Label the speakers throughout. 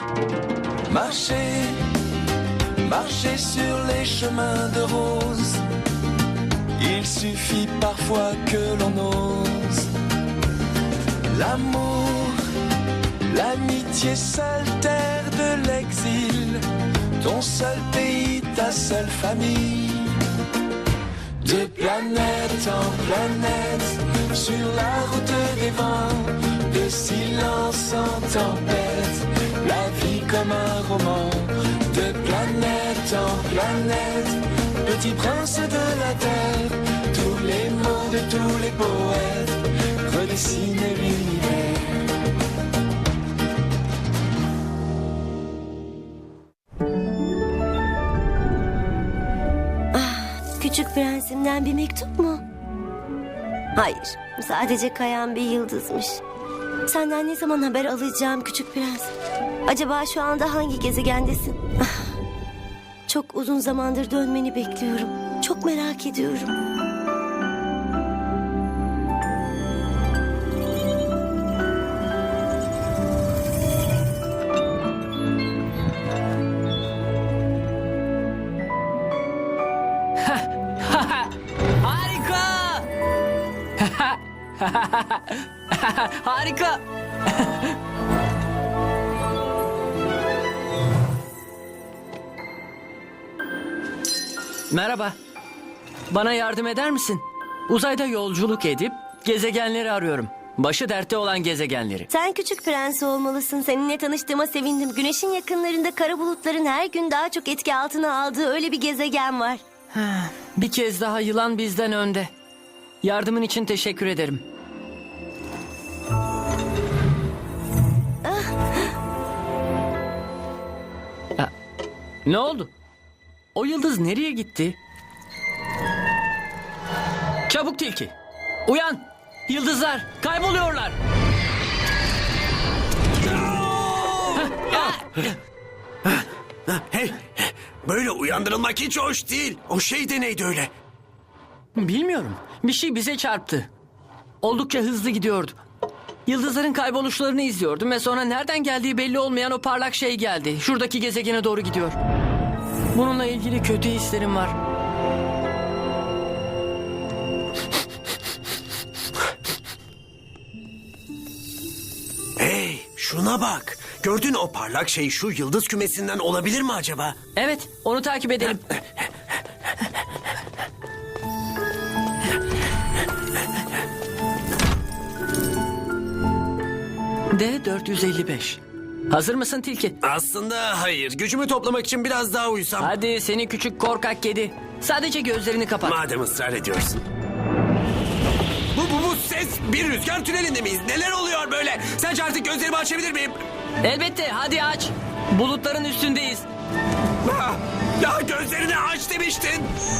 Speaker 1: Marcher, marcher sur les chemins de rose. Il suffit parfois que l'on ose. L'amour, l'amitié, seule terre de l'exil. Ton seul pays, ta seule famille. De planète en planète, sur la route des vents, de silence en tempête, la vie comme un roman. De planète en planète, petit prince de la terre, tous les mots de tous les poètes redessinent l'univers.
Speaker 2: Küçük prensimden bir mektup mu? Hayır, sadece kayan bir yıldızmış. Senden ne zaman haber alacağım küçük prens? Acaba şu anda hangi gezegendesin? Çok uzun zamandır dönmeni bekliyorum. Çok merak ediyorum.
Speaker 3: Harika! Harika! Merhaba. Bana yardım eder misin? Uzayda yolculuk edip gezegenleri arıyorum. Başı dertte olan gezegenleri.
Speaker 2: Sen küçük prens olmalısın. Seninle tanıştığıma sevindim. Güneşin yakınlarında kara bulutların her gün daha çok etki altına aldığı öyle bir gezegen var.
Speaker 3: Bir kez daha yılan bizden önde. Yardımın için teşekkür ederim. Ne oldu? O yıldız nereye gitti? Çabuk tilki. Uyan. Yıldızlar kayboluyorlar.
Speaker 4: Hey, böyle uyandırılmak hiç hoş değil. O şey de neydi öyle?
Speaker 3: Bilmiyorum. Bir şey bize çarptı. Oldukça hızlı gidiyordu. Yıldızların kayboluşlarını izliyordum ve sonra nereden geldiği belli olmayan o parlak şey geldi. Şuradaki gezegene doğru gidiyor. Bununla ilgili kötü hislerim var.
Speaker 4: Hey, şuna bak. Gördün o parlak şey şu yıldız kümesinden olabilir mi acaba?
Speaker 3: Evet, onu takip edelim. D455. Hazır mısın tilki?
Speaker 4: Aslında hayır. Gücümü toplamak için biraz daha uyusam.
Speaker 3: Hadi seni küçük korkak kedi. Sadece gözlerini kapat.
Speaker 4: Madem ısrar ediyorsun. Bu ses bir rüzgar tünelinde miyiz? Neler oluyor böyle? Sence artık gözlerimi açabilir miyim?
Speaker 3: Elbette, hadi aç. Bulutların üstündeyiz.
Speaker 4: Ya gözlerini aç demiştin.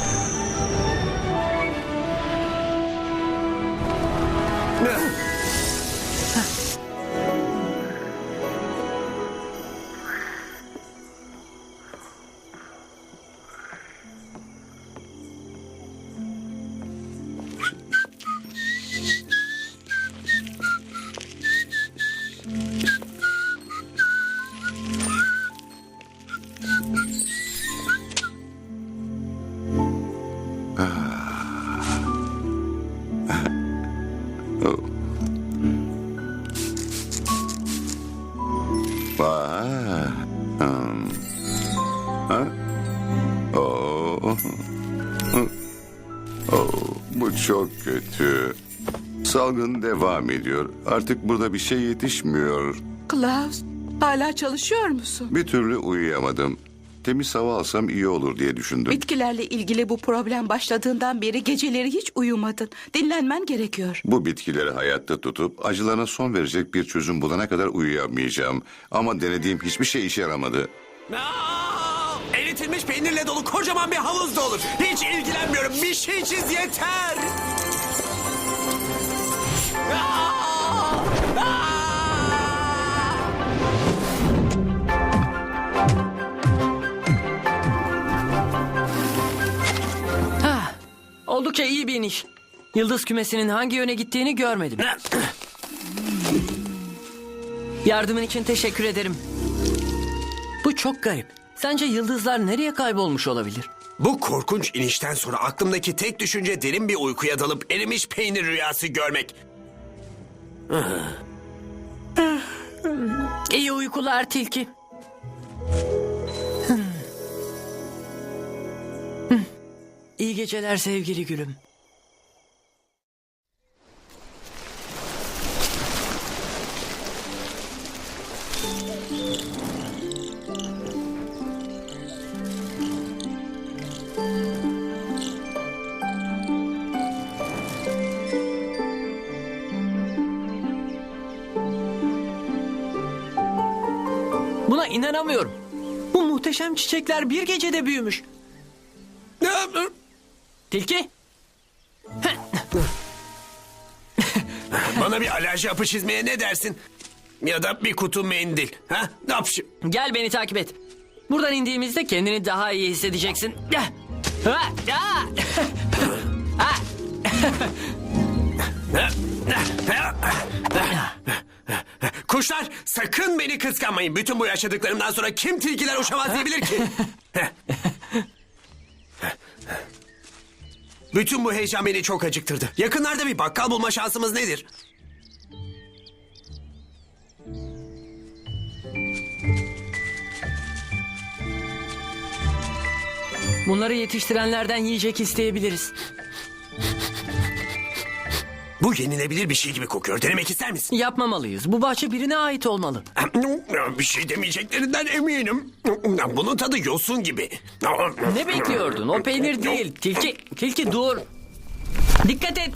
Speaker 5: Bu çok kötü. Salgın devam ediyor. Artık burada bir şey yetişmiyor.
Speaker 6: Klaus, hala çalışıyor musun?
Speaker 5: Bir türlü uyuyamadım. Temiz hava alsam iyi olur diye düşündüm.
Speaker 6: Bitkilerle ilgili bu problem başladığından beri geceleri hiç uyumadın. Dinlenmen gerekiyor.
Speaker 5: Bu bitkileri hayatta tutup acılarına son verecek bir çözüm bulana kadar uyuyamayacağım. Ama denediğim hiçbir şey işe yaramadı.
Speaker 4: Eritilmiş peynirle dolu kocaman bir havuz da olur. Hiç ilgilenmiyorum. Bir şey çiz yeter.
Speaker 3: Oldukça iyi bir iniş. Yıldız kümesinin hangi yöne gittiğini görmedim. Yardımın için teşekkür ederim. çok garip. Sence yıldızlar nereye kaybolmuş olabilir?
Speaker 4: Bu korkunç inişten sonra aklımdaki tek düşünce derin bir uykuya dalıp erimiş peynir rüyası görmek.
Speaker 3: İyi uykular tilki. İyi geceler sevgili gülüm. Buna inanamıyorum. Bu muhteşem çiçekler bir gecede büyümüş. Tilki?
Speaker 4: Bana bir alerji hapı çizmeye ne dersin? Ya da bir kutu mendil. Ha? Ne yapayım?
Speaker 3: Gel beni takip et. Buradan indiğimizde kendini daha iyi hissedeceksin.
Speaker 4: Kuşlar sakın beni kıskanmayın. Bütün bu yaşadıklarımdan sonra kim tilkiler uçamaz diyebilir ki? Bütün bu heyecan beni çok acıktırdı. Yakınlarda bir bakkal bulma şansımız nedir?
Speaker 3: Bunları yetiştirenlerden yiyecek isteyebiliriz.
Speaker 4: Bu yenilebilir bir şey gibi kokuyor. Denemek ister misin?
Speaker 3: Yapmamalıyız. Bu bahçe birine ait olmalı.
Speaker 4: Bir şey demeyeceklerinden eminim. Bunun tadı yosun gibi.
Speaker 3: Ne bekliyordun? O peynir değil. Tilki, tilki dur. Dikkat et.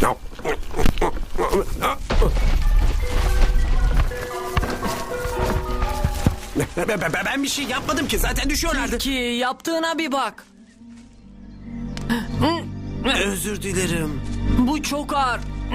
Speaker 4: Ben bir şey yapmadım ki. Zaten düşüyorlardı.
Speaker 3: Tilki yaptığına bir bak.
Speaker 4: Özür dilerim.
Speaker 3: Bu çok ağır.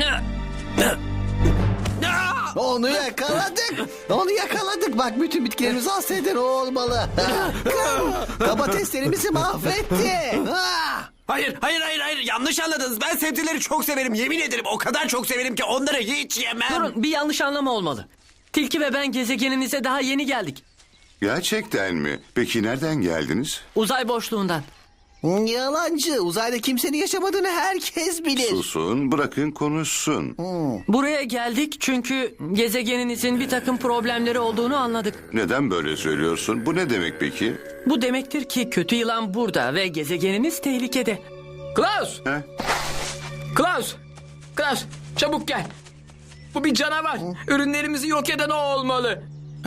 Speaker 7: Onu yakaladık. Onu yakaladık. Bak bütün bitkilerimizi hasta eden o olmalı. Domateslerimizi mahvetti.
Speaker 4: Hayır. Yanlış anladınız. Ben sebzeleri çok severim. Yemin ederim o kadar çok severim ki onları hiç yemem.
Speaker 3: Durun, bir yanlış anlama olmalı. Tilki ve ben gezegeninize daha yeni geldik.
Speaker 5: Gerçekten mi? Peki nereden geldiniz?
Speaker 3: Uzay boşluğundan.
Speaker 7: Yalancı. Uzayda kimsenin yaşamadığını herkes bilir.
Speaker 5: Susun, bırakın konuşsun.
Speaker 3: Buraya geldik çünkü gezegeninizin bir takım problemleri olduğunu anladık.
Speaker 5: Neden böyle söylüyorsun? Bu ne demek peki?
Speaker 3: Bu demektir ki kötü yılan burada ve gezegeniniz tehlikede.
Speaker 8: Klaus!
Speaker 5: He?
Speaker 8: Klaus! Klaus! Çabuk gel. Bu bir canavar. Ürünlerimizi yok eden o olmalı.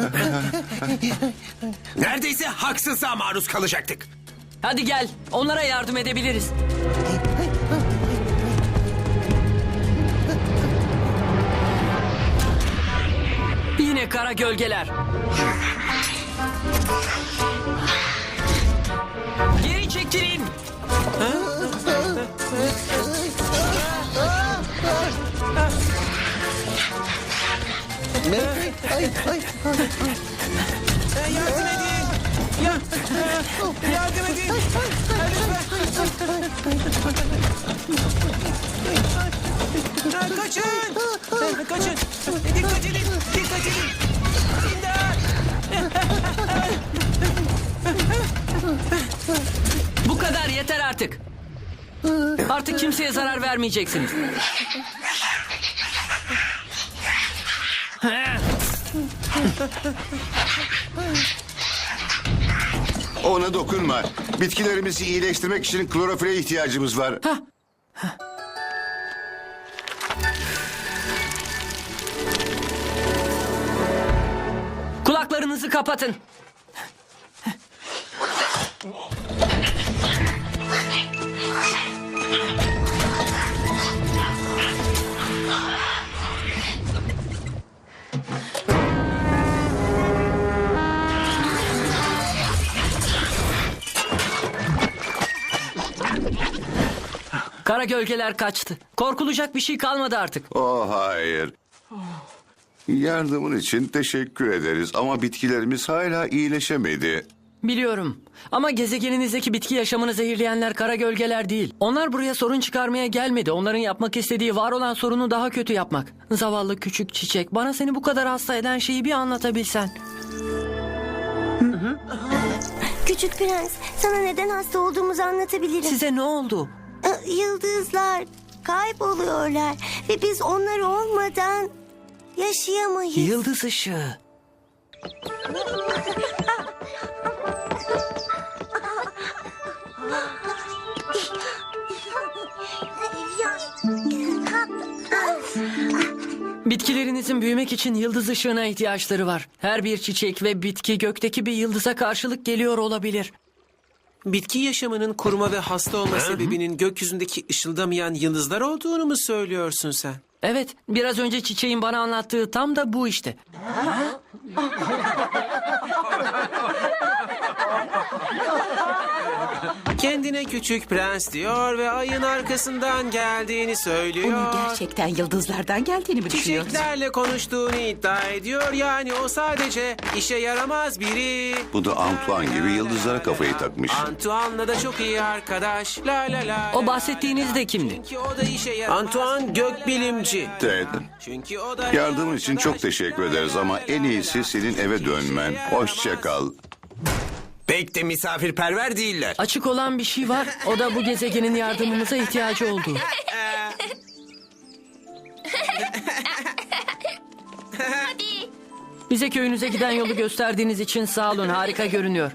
Speaker 4: Neredeyse haksızlığa maruz kalacaktık.
Speaker 3: Hadi gel, onlara yardım edebiliriz. Yine kara gölgeler. Geri çekilin.
Speaker 8: Yardım edin. Yardım edin. Kaçın. Kaçın. Dikkat edin. Dikkat edin.
Speaker 3: Bu kadar yeter artık. Artık kimseye zarar vermeyeceksiniz.
Speaker 5: Ona dokunma. Bitkilerimizi iyileştirmek için klorofile ihtiyacımız var.
Speaker 3: Kulaklarınızı kapatın. Kara gölgeler kaçtı. Korkulacak bir şey kalmadı artık.
Speaker 5: Oh hayır. Yardımın için teşekkür ederiz ama bitkilerimiz hala iyileşemedi.
Speaker 3: Biliyorum. Ama gezegeninizdeki bitki yaşamını zehirleyenler kara gölgeler değil. Onlar buraya sorun çıkarmaya gelmedi. Onların yapmak istediği var olan sorunu daha kötü yapmak. Zavallı küçük çiçek. Bana seni bu kadar hasta eden şeyi bir anlatabilsen.
Speaker 2: Küçük prens, sana neden hasta olduğumuzu anlatabilirim.
Speaker 3: Size ne oldu?
Speaker 2: Yıldızlar kayboluyorlar ve biz onlar olmadan yaşayamayız.
Speaker 3: Yıldız ışığı. Bitkilerinizin büyümek için yıldız ışığına ihtiyaçları var. Her bir çiçek ve bitki gökteki bir yıldıza karşılık geliyor olabilir.
Speaker 4: Bitki yaşamının kuruma ve hasta olma sebebinin gökyüzündeki ışıldamayan yıldızlar olduğunu mu söylüyorsun sen?
Speaker 3: Evet, biraz önce çiçeğin bana anlattığı tam da bu işte.
Speaker 4: Kendine küçük prens diyor ve ayın arkasından geldiğini söylüyor.
Speaker 6: Onun gerçekten yıldızlardan geldiğini mi düşünüyorsun?
Speaker 4: Çiçeklerle konuştuğunu iddia ediyor. Yani o sadece işe yaramaz biri.
Speaker 5: Bu da Antoine gibi yıldızlara kafayı takmış.
Speaker 4: Antoine'la da çok iyi arkadaş. La la la.
Speaker 3: O bahsettiğiniz de kimdi?
Speaker 4: Çünkü o da işe yaramaz. Antoine gökbilimci.
Speaker 5: Ted,
Speaker 4: Çünkü o da
Speaker 5: yardımın için çok teşekkür ederiz ama en iyisi senin eve dönmen. Hoşça kal.
Speaker 4: Pek de misafirperver değiller.
Speaker 3: Açık olan bir şey var, o da bu gezegenin yardımımıza ihtiyacı olduğu. Bize köyünüze giden yolu gösterdiğiniz için sağ olun, harika görünüyor.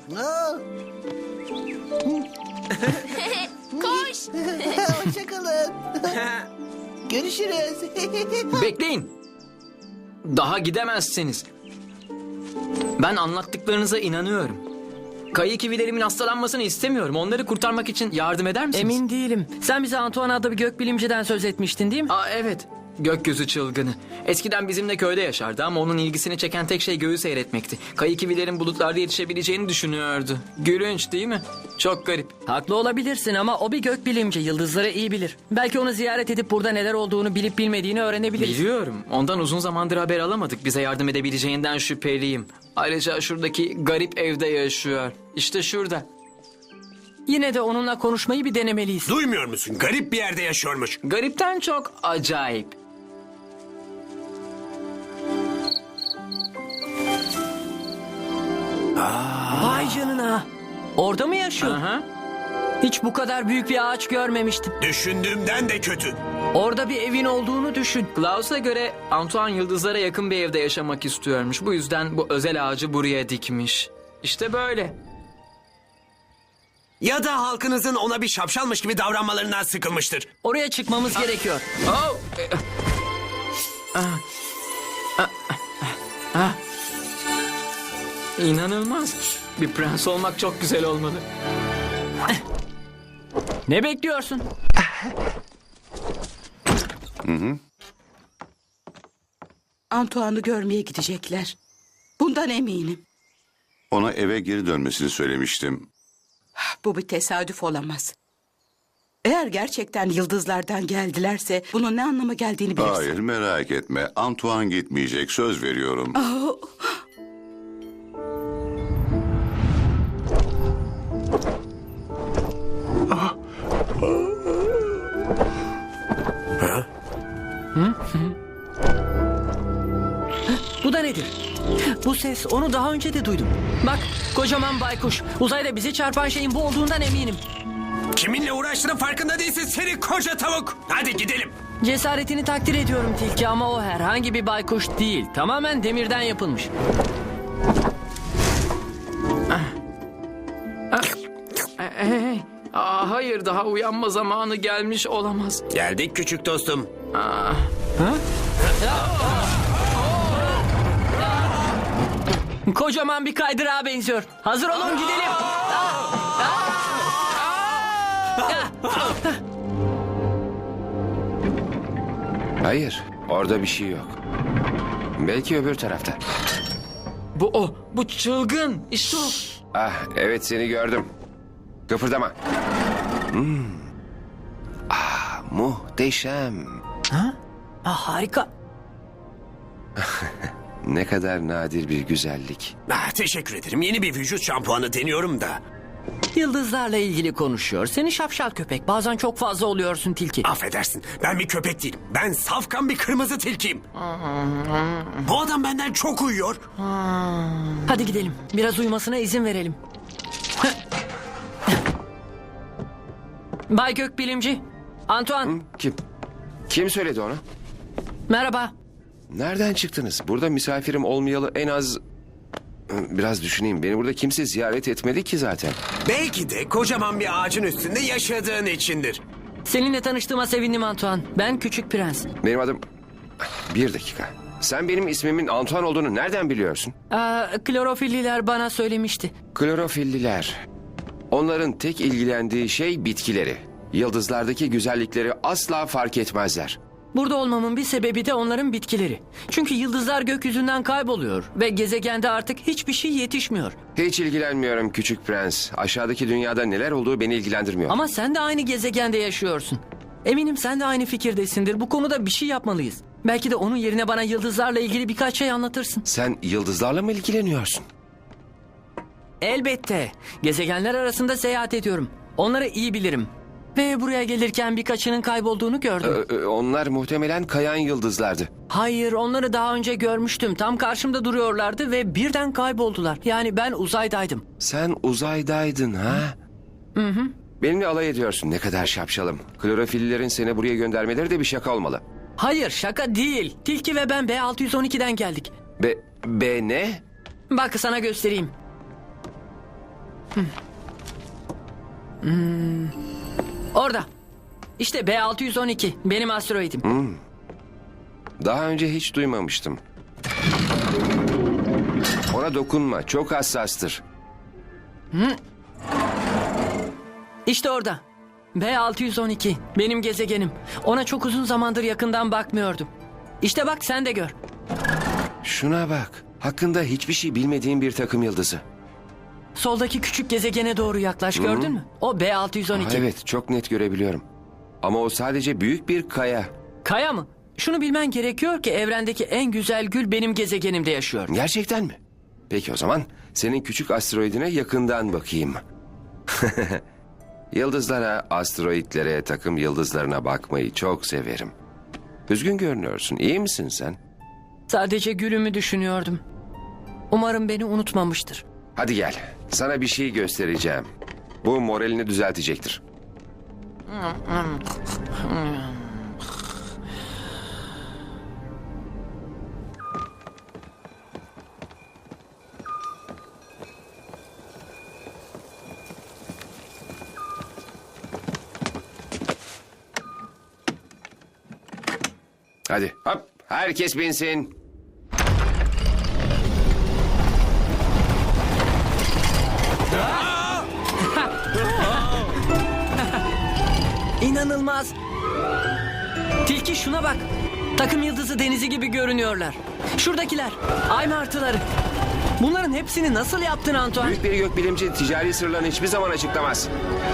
Speaker 7: Koş. Hoşçakalın. Görüşürüz.
Speaker 8: Bekleyin. Daha gidemezsiniz. Ben anlattıklarınıza inanıyorum. Kayı kivilerimin hastalanmasını istemiyorum. Onları kurtarmak için yardım eder misiniz?
Speaker 3: Emin değilim. Sen bize Antoine adlı bir gökbilimciden söz etmiştin değil mi?
Speaker 8: Aa, evet. Gökyüzü çılgını. Eskiden bizimle köyde yaşardı ama onun ilgisini çeken tek şey göğü seyretmekti. Kayı kivilerin bulutlarda yetişebileceğini düşünüyordu. Gülünç değil mi? Çok garip.
Speaker 3: Haklı olabilirsin ama o bir gökbilimci, yıldızları iyi bilir. Belki onu ziyaret edip burada neler olduğunu bilip bilmediğini öğrenebiliriz.
Speaker 8: Biliyorum. Ondan uzun zamandır haber alamadık. Bize yardım edebileceğinden şüpheliyim. Ayrıca şuradaki garip evde yaşıyor. İşte şurada.
Speaker 3: Yine de onunla konuşmayı bir denemeliyiz.
Speaker 4: Duymuyor musun? Garip bir yerde yaşıyormuş.
Speaker 8: Garipten çok acayip.
Speaker 3: Vay canına. Orada mı yaşıyor?
Speaker 8: Aha.
Speaker 3: Hiç bu kadar büyük bir ağaç görmemiştim.
Speaker 4: Düşündüğümden de kötü.
Speaker 3: Orada bir evin olduğunu düşün.
Speaker 8: Klaus'a göre Antoine yıldızlara yakın bir evde yaşamak istiyormuş. Bu yüzden bu özel ağacı buraya dikmiş. İşte böyle.
Speaker 4: Ya da halkınızın ona bir şapşalmış gibi davranmalarından sıkılmıştır.
Speaker 3: Oraya çıkmamız gerekiyor.
Speaker 8: Oh! İnanılmaz. Bir prens olmak çok güzel olmalı.
Speaker 3: Ne bekliyorsun?
Speaker 6: Antoine'ı görmeye gidecekler. Bundan eminim.
Speaker 5: Ona eve geri dönmesini söylemiştim.
Speaker 6: Bu bir tesadüf olamaz. Eğer gerçekten yıldızlardan geldilerse bunun ne anlama geldiğini bilirsin.
Speaker 5: Hayır, merak etme. Antoine gitmeyecek, söz veriyorum.
Speaker 3: Bu da nedir? Bu ses, onu daha önce de duydum. Bak, kocaman baykuş. Uzayda bizi çarpan şeyin bu olduğundan eminim.
Speaker 4: Kiminle uğraştığının farkında değilsin seni koca tavuk. Hadi gidelim.
Speaker 3: Cesaretini takdir ediyorum Tilki ama o herhangi bir baykuş değil. Tamamen demirden yapılmış.
Speaker 8: Hey. Hayır, daha uyanma zamanı gelmiş olamaz.
Speaker 4: Geldik küçük dostum.
Speaker 3: Kocaman bir kaydırağa benziyor. Hazır olun, gidelim.
Speaker 9: Hayır, orada bir şey yok. Belki öbür tarafta.
Speaker 8: Bu o, bu çılgın. İşte o.
Speaker 9: Ah, evet seni gördüm. Kıpırdama. Ah, muhteşem.
Speaker 3: Harika.
Speaker 9: Ne kadar nadir bir güzellik.
Speaker 4: Teşekkür ederim. Yeni bir vücut şampuanı deniyorum da.
Speaker 3: Yıldızlarla ilgili konuşuyor. Seni şapşal köpek. Bazen çok fazla oluyorsun Tilki.
Speaker 4: Affedersin. Ben bir köpek değilim. Ben safkan bir kırmızı tilkiyim. Bu adam benden çok uyuyor.
Speaker 3: Hadi gidelim. Biraz uyumasına izin verelim. Bay Gökbilimci. Antoine.
Speaker 9: Kim söyledi onu?
Speaker 3: Merhaba.
Speaker 9: Nereden çıktınız? Burada misafirim olmayalı en az... Biraz düşüneyim. Beni burada kimse ziyaret etmedi ki zaten.
Speaker 4: Belki de kocaman bir ağacın üstünde yaşadığın içindir.
Speaker 3: Seninle tanıştığıma sevindim Antoine. Ben Küçük Prens.
Speaker 9: Benim adım... Bir dakika. Sen benim ismimin Antoine olduğunu nereden biliyorsun?
Speaker 3: Klorofilliler bana söylemişti.
Speaker 9: Klorofilliler. Onların tek ilgilendiği şey bitkileri. Yıldızlardaki güzellikleri asla fark etmezler.
Speaker 3: Burada olmamın bir sebebi de onların bitkileri. Çünkü yıldızlar gökyüzünden kayboluyor ve gezegende artık hiçbir şey yetişmiyor.
Speaker 9: Hiç ilgilenmiyorum küçük prens. Aşağıdaki dünyada neler olduğu beni ilgilendirmiyor.
Speaker 3: Ama sen de aynı gezegende yaşıyorsun. Eminim sen de aynı fikirdesindir. Bu konuda bir şey yapmalıyız. Belki de onun yerine bana yıldızlarla ilgili birkaç şey anlatırsın.
Speaker 9: Sen yıldızlarla mı ilgileniyorsun?
Speaker 3: Elbette. Gezegenler arasında seyahat ediyorum. Onları iyi bilirim. Ve buraya gelirken birkaçının kaybolduğunu gördüm.
Speaker 9: Onlar muhtemelen kayan yıldızlardı.
Speaker 3: Hayır, onları daha önce görmüştüm. Tam karşımda duruyorlardı ve birden kayboldular. Yani ben uzaydaydım.
Speaker 9: Sen uzaydaydın ha?
Speaker 3: Hı hı.
Speaker 9: Benimle alay ediyorsun. Ne kadar şapşalım. Klorofillerin seni buraya göndermeleri de bir şaka olmalı.
Speaker 3: Hayır, şaka değil. Tilki ve ben B612'den geldik.
Speaker 9: B ne?
Speaker 3: Bak sana göstereyim. Orada. İşte B612. Benim asteroidim.
Speaker 9: Daha önce hiç duymamıştım. Ona dokunma. Çok hassastır.
Speaker 3: İşte orada. B612. Benim gezegenim. Ona çok uzun zamandır yakından bakmıyordum. İşte bak sen de gör.
Speaker 9: Şuna bak. Hakkında hiçbir şey bilmediğim bir takım yıldızı.
Speaker 3: Soldaki küçük gezegene doğru yaklaş, gördün mü? O B612.
Speaker 9: Evet, çok net görebiliyorum. Ama o sadece büyük bir kaya.
Speaker 3: Kaya mı? Şunu bilmen gerekiyor ki evrendeki en güzel gül benim gezegenimde yaşıyor.
Speaker 9: Gerçekten mi? Peki o zaman senin küçük asteroidine yakından bakayım. Yıldızlara, asteroidlere, takım yıldızlarına bakmayı çok severim. Üzgün görünüyorsun. İyi misin sen?
Speaker 3: Sadece gülümü düşünüyordum. Umarım beni unutmamıştır.
Speaker 9: Hadi gel. Sana bir şey göstereceğim. Bu moralini düzeltecektir. Hadi hop, herkes binsin.
Speaker 3: İnanılmaz. Tilki şuna bak. Takım yıldızı denizi gibi görünüyorlar. Şuradakiler. Ay martıları. Bunların hepsini nasıl yaptın Antoine?
Speaker 9: Büyük bir gökbilimci ticari sırlarını hiçbir zaman açıklamaz.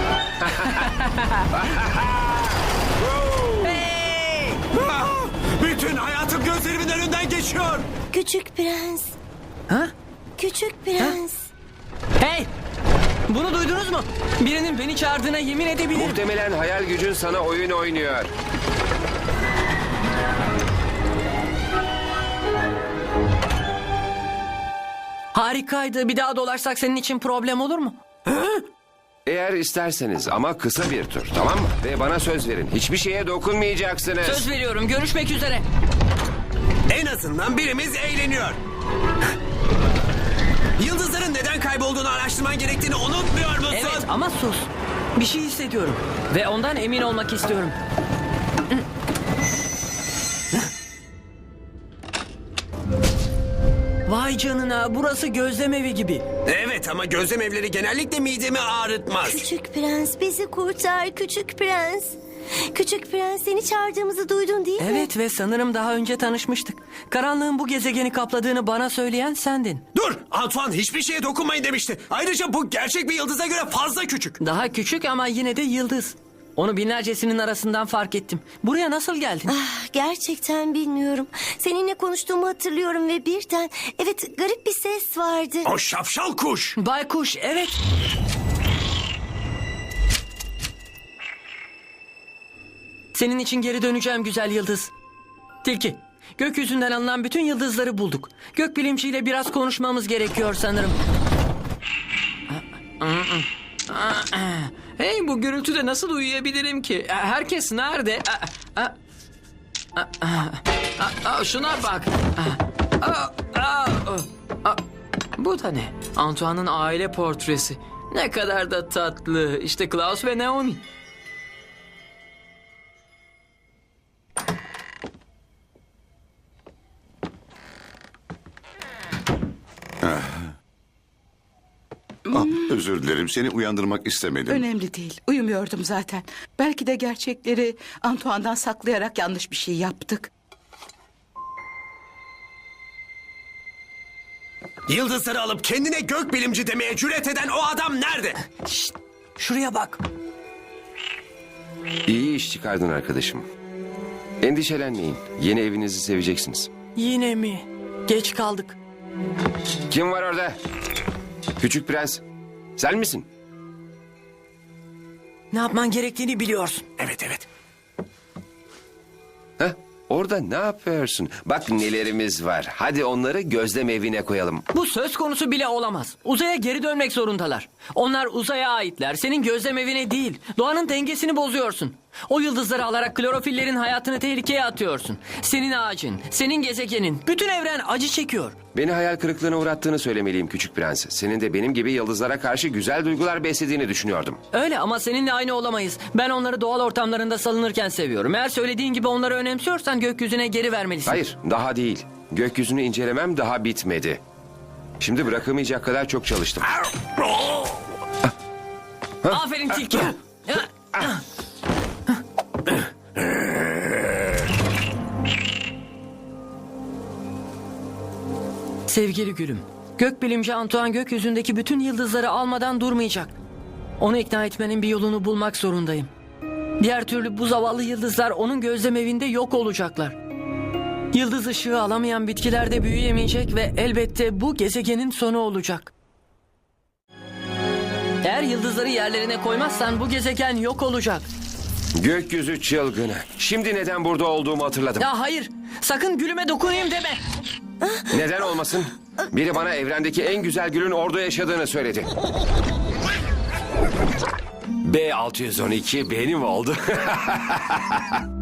Speaker 3: Hey!
Speaker 4: Bütün hayatım gözlerimin önünden geçiyor.
Speaker 2: Küçük prens.
Speaker 3: Ha?
Speaker 2: Küçük prens.
Speaker 3: Hey! Bunu duydunuz mu? Birinin beni çağırdığına yemin edebilirim.
Speaker 9: Muhtemelen hayal gücün sana oyun oynuyor.
Speaker 3: Harikaydı. Bir daha dolaşsak senin için problem olur mu?
Speaker 9: Eğer isterseniz ama kısa bir tur, tamam mı? Ve bana söz verin. Hiçbir şeye dokunmayacaksınız.
Speaker 3: Söz veriyorum. Görüşmek üzere.
Speaker 4: En azından birimiz eğleniyor. Yıldızların neden kaybolduğunu araştırman gerektiğini unutmuyor musun?
Speaker 3: Evet ama sus. Bir şey hissediyorum. Ve ondan emin olmak istiyorum. Vay canına, burası gözlem evi gibi.
Speaker 4: Evet ama gözlem evleri genellikle midemi ağrıtmaz.
Speaker 2: Küçük prens bizi kurtar küçük prens. Küçük prens seni çağırdığımızı duydun değil mi?
Speaker 3: Evet ve sanırım daha önce tanışmıştık. Karanlığın bu gezegeni kapladığını bana söyleyen sendin.
Speaker 4: Dur, Antoine hiçbir şeye dokunmayın demişti. Ayrıca bu gerçek bir yıldıza göre fazla küçük.
Speaker 3: Daha küçük ama yine de yıldız. Onu binlercesinin arasından fark ettim. Buraya nasıl geldin?
Speaker 2: Ah, gerçekten bilmiyorum. Seninle konuştuğumu hatırlıyorum ve birden... Evet, garip bir ses vardı.
Speaker 4: O şapşal kuş.
Speaker 3: Baykuş, evet. Senin için geri döneceğim güzel yıldız. Tilki, gökyüzünden alınan bütün yıldızları bulduk. Gökbilimciyle biraz konuşmamız gerekiyor sanırım.
Speaker 8: Hey, bu gürültüde nasıl uyuyabilirim ki? Herkes nerede? Şuna bak. Bu da ne? Antoine'ın aile portresi. Ne kadar da tatlı. İşte Klaus ve Naomi.
Speaker 5: Özür dilerim, seni uyandırmak istemedim.
Speaker 6: Önemli değil. Uyumuyordum zaten. Belki de gerçekleri Antoine'dan saklayarak yanlış bir şey yaptık.
Speaker 4: Yıldızları alıp kendine gökbilimci demeye cüret eden o adam nerede?
Speaker 3: Şuraya bak.
Speaker 9: İyi iş çıkardın arkadaşım. Endişelenmeyin. Yeni evinizi seveceksiniz.
Speaker 3: Yine mi? Geç kaldık.
Speaker 9: Kim var orada? Küçük prens. Sen misin?
Speaker 3: Ne yapman gerektiğini biliyorsun.
Speaker 4: Evet evet.
Speaker 9: Heh, orada ne yapıyorsun? Bak nelerimiz var. Hadi onları gözlem evine koyalım.
Speaker 3: Bu söz konusu bile olamaz. Uzaya geri dönmek zorundalar. Onlar uzaya aitler. Senin gözlem evine değil. Doğanın dengesini bozuyorsun. O yıldızları alarak klorofillerin hayatını tehlikeye atıyorsun. Senin ağacın, senin gezegenin, bütün evren acı çekiyor.
Speaker 9: Beni hayal kırıklığına uğrattığını söylemeliyim küçük prens. Senin de benim gibi yıldızlara karşı güzel duygular beslediğini düşünüyordum.
Speaker 3: Öyle ama seninle aynı olamayız. Ben onları doğal ortamlarında salınırken seviyorum. Eğer söylediğin gibi onları önemsiyorsan gökyüzüne geri vermelisin.
Speaker 9: Hayır, daha değil. Gökyüzünü incelemem daha bitmedi. Şimdi bırakamayacak kadar çok çalıştım.
Speaker 3: Aferin tilki. Sevgili gülüm, gökbilimci Antoine gökyüzündeki bütün yıldızları almadan durmayacak. Onu ikna etmenin bir yolunu bulmak zorundayım. Diğer türlü bu zavallı yıldızlar onun gözlem evinde yok olacaklar. Yıldız ışığı alamayan bitkiler de büyüyemeyecek ve elbette bu gezegenin sonu olacak. Eğer yıldızları yerlerine koymazsan bu gezegen yok olacak.
Speaker 9: Gökyüzü çılgını. Şimdi neden burada olduğumu hatırladım.
Speaker 3: Ya hayır, sakın gülüme dokunayım deme.
Speaker 9: Neden olmasın? Biri bana evrendeki en güzel gülün orada yaşadığını söyledi. B612 benim oldu.